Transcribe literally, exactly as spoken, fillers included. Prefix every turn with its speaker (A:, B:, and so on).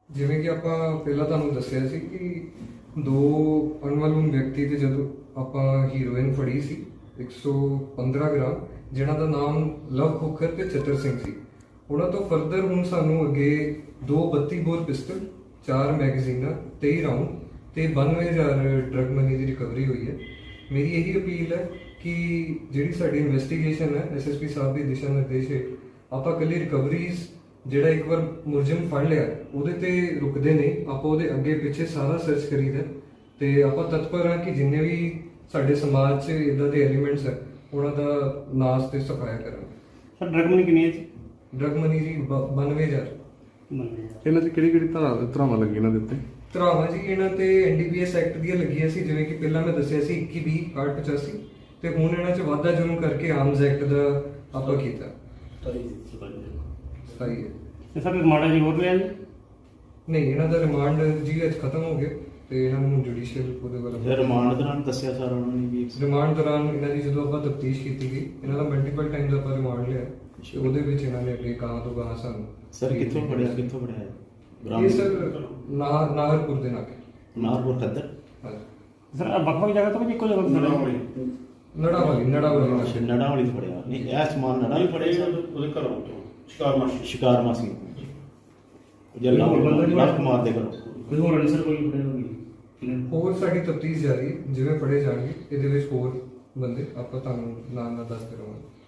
A: ਜਿਵੇਂ ਕਿ ਆਪਾਂ ਪਹਿਲਾਂ ਤੁਹਾਨੂੰ ਦੱਸਿਆ ਸੀ ਕਿ ਦੋ ਅਨਮਲੂਮ ਵਿਅਕਤੀ ਤੇ ਜਦੋਂ ਆਪਾਂ ਹੀਰੋਇਨ ਫੜੀ ਸੀ ਇੱਕ ਸੌ ਪੰਦਰਾਂ ਗ੍ਰਾਮ, ਜਿਨ੍ਹਾਂ ਦਾ ਨਾਮ ਲਵ ਖੋਖਰ ਤੇ ਚਤਰ ਸਿੰਘ ਸੀ। ਉਹਨਾਂ ਤੋਂ ਫਰਦਰ ਹੁਣ ਸਾਨੂੰ ਅੱਗੇ ਦੋ ਬੱਤੀ ਬੋਰ ਪਿਸਟਲ, ਚਾਰ ਮੈਗਜ਼ੀਨਾਂ, ਤੇਈ ਰਾਉਂਡ ਤੇ ਬਾਨਵੇਂ ਹਜ਼ਾਰ ਡਰਗ ਮਨੀ ਦੀ ਰਿਕਵਰੀ ਹੋਈ ਹੈ। ਮੇਰੀ ਇਹੀ ਅਪੀਲ ਹੈ ਕਿ ਜਿਹੜੀ ਸਾਡੀ ਇਨਵੈਸਟੀਗੇਸ਼ਨ ਹੈ ਐਸਐਸਪੀ ਸਾਹਿਬ ਦੀ ਦਿਸ਼ਾ ਨਿਰਦੇਸ਼ ਹੇਠ ਆਪਾਂ ਇਕੱਲੀ ਰਿਕਵਰੀਜ਼ ਜਿਹੜਾ ਇੱਕ ਵਾਰ ਮੁਲਜ਼ਮ ਫੜ ਲਿਆ ਉਹਦੇ ਤੇ ਰੁਕਦੇ ਨਹੀਂ, ਆਪਾਂ ਉਹਦੇ ਅੱਗੇ ਪਿੱਛੇ ਸਾਰਾ ਸਰਚ ਕਰੀਦਾ ਤੇ ਆਪਾਂ ਤਤਪਰ ਹਾਂ ਕਿ ਜਿੰਨੇ ਵੀ ਸਾਡੇ ਸਮਾਜ 'ਚ ਇਦਾਂ ਦੇ ਐਲੀਮੈਂਟਸ ਹੈ ਉਹਨਾਂ ਦਾ ਨਾਸ਼ ਤੇ ਸਫਾਇਆ ਕਰਾਂਗੇ।
B: ਸਰ ਡਰਗ ਮਨੀ ਕਿੰਨੀ ਹੈ ਜੀ?
A: ਡਰਗ ਮਨੀ ਜੀ ਬਾਨਵੇਂ ਹਜ਼ਾਰ।
C: ਇਹਨਾਂ 'ਚ ਕਿਹੜੀ ਕਿਹੜੀ ਧਾਰਾ ਧਾਰਾਵਾਂ ਲੱਗੀਆਂ ਇਹਨਾਂ ਦੇ ਉੱਤੇ?
A: ਧਾਰਾਵਾਂ ਜੀ ਇਹਨਾਂ ਤੇ ਐਨਡੀਪੀਐਸ ਐਕਟ ਦੀਆਂ ਲੱਗੀਆਂ ਸੀ, ਜਿਵੇਂ ਕਿ ਪਹਿਲਾਂ ਮੈਂ ਦੱਸਿਆ ਸੀ ਇੱਕੀ ਵੀਹ ਇਕਾਹਠ ਪਚਾਸੀ, ਤੇ ਹੁਣ ਇਹਨਾਂ 'ਚ ਵਾਧਾ ਜੁਰਮ ਕਰਕੇ ਆਰਮਸ ਐਕਟ ਦਾ ਆਪਾਂ ਕੀਤਾ ਸਹੀ ਹੈ।
B: ਤੇ ਸਰ ਰਿਮਾਂਡ ਜੀ ਹੋਰ ਲਿਆ ਜੀ?
A: ਨਹੀਂ, ਇਹਨਾਂ ਦਾ ਰਿਮਾਂਡ ਜੀ ਅੱਜ ਖਤਮ ਹੋ ਗਿਆ ਤੇ ਇਹਨਾਂ ਨੂੰ ਜੁਡੀਸ਼ੀਅਲ ਉਹਦੇ ਵੱਲੋਂ
D: ਰਿਮਾਂਡ ਦੌਰਾਨ ਦੱਸਿਆ ਸਾਰਾ ਉਹਨਾਂ ਨੇ ਵੀ
A: ਰਿਮਾਂਡ ਦੌਰਾਨ ਇਹਨਾਂ ਦੀ ਜਦੋਂ ਆਪਾਂ ਤਫਤੀਸ਼ ਕੀਤੀ ਗਈ, ਇਹਨਾਂ ਦਾ ਮਲਟੀਪਲ ਟਾਈਮਸ ਆਪਾਂ ਰਿਮਾਂਡ ਲਿਆ ਤੇ ਉਹਦੇ ਵਿੱਚ ਇਹਨਾਂ ਨੇ ਅੱਗੇ ਗਾਂ ਤੋਂ ਗਾਂ ਸਾਨੂੰ
D: ਸਰ ਕਿੱਥੋਂ ਫੜਿਆ ਕਿੱਥੋਂ ਫੜਿਆ ਹੈ?
A: ਇਹ ਸਰ ਨਾਹ- ਨਾਹਰਪੁਰ ਦੇ ਨਾਕੇ।
D: ਨਾਰਪੁਰ ਖੱਦਰ।
A: ਹਾਂਜੀ,
B: ਸਰ ਵੱਖ ਵੱਖ ਜਗ੍ਹਾ ਤੋਂ ਵੀ ਇੱਕੋ ਜਗ੍ਹਾ ਤੋਂ
A: ਨੜਾ ਵਾਲੀ ਨੜਾ ਵਾਲੀ
D: ਅੱਛਾ, ਨੜਾ ਵਾਲੀ ਤੋਂ ਫੜਿਆ। ਨਹੀਂ ਇਹ ਸਮਾਨ ਨੜਾ ਵੀ ਫੜਿਆ ਸਰ?
E: ਉਹਦੇ ਘਰੋਂ ਤੋਂ ਸ਼ਿਕਾਰ ਮਾਸੀ
D: ਸ਼ਿਕਾਰ ਮਾਸੀ ਜੱਲਾ ਲੱਖ ਮਾਰ ਦੇ ਕਰੋ।
B: ਕੋਈ ਹੋਰ ਅਨਸਰ ਕੋਈ ਫੜਿਆ ਹੋਈ?
A: ਹੋਰ ਸਾਡੀ ਤਫਤੀਸ਼ ਜਾਰੀ ਹੈ, ਜਿਵੇਂ ਫੜੇ ਜਾਣਗੇ ਇਹਦੇ ਵਿੱਚ ਹੋਰ ਬੰਦੇ ਆਪਾਂ ਤੁਹਾਨੂੰ ਨਾਲ ਨਾਲ ਦੱਸਦੇ ਰਹਾਂਗੇ।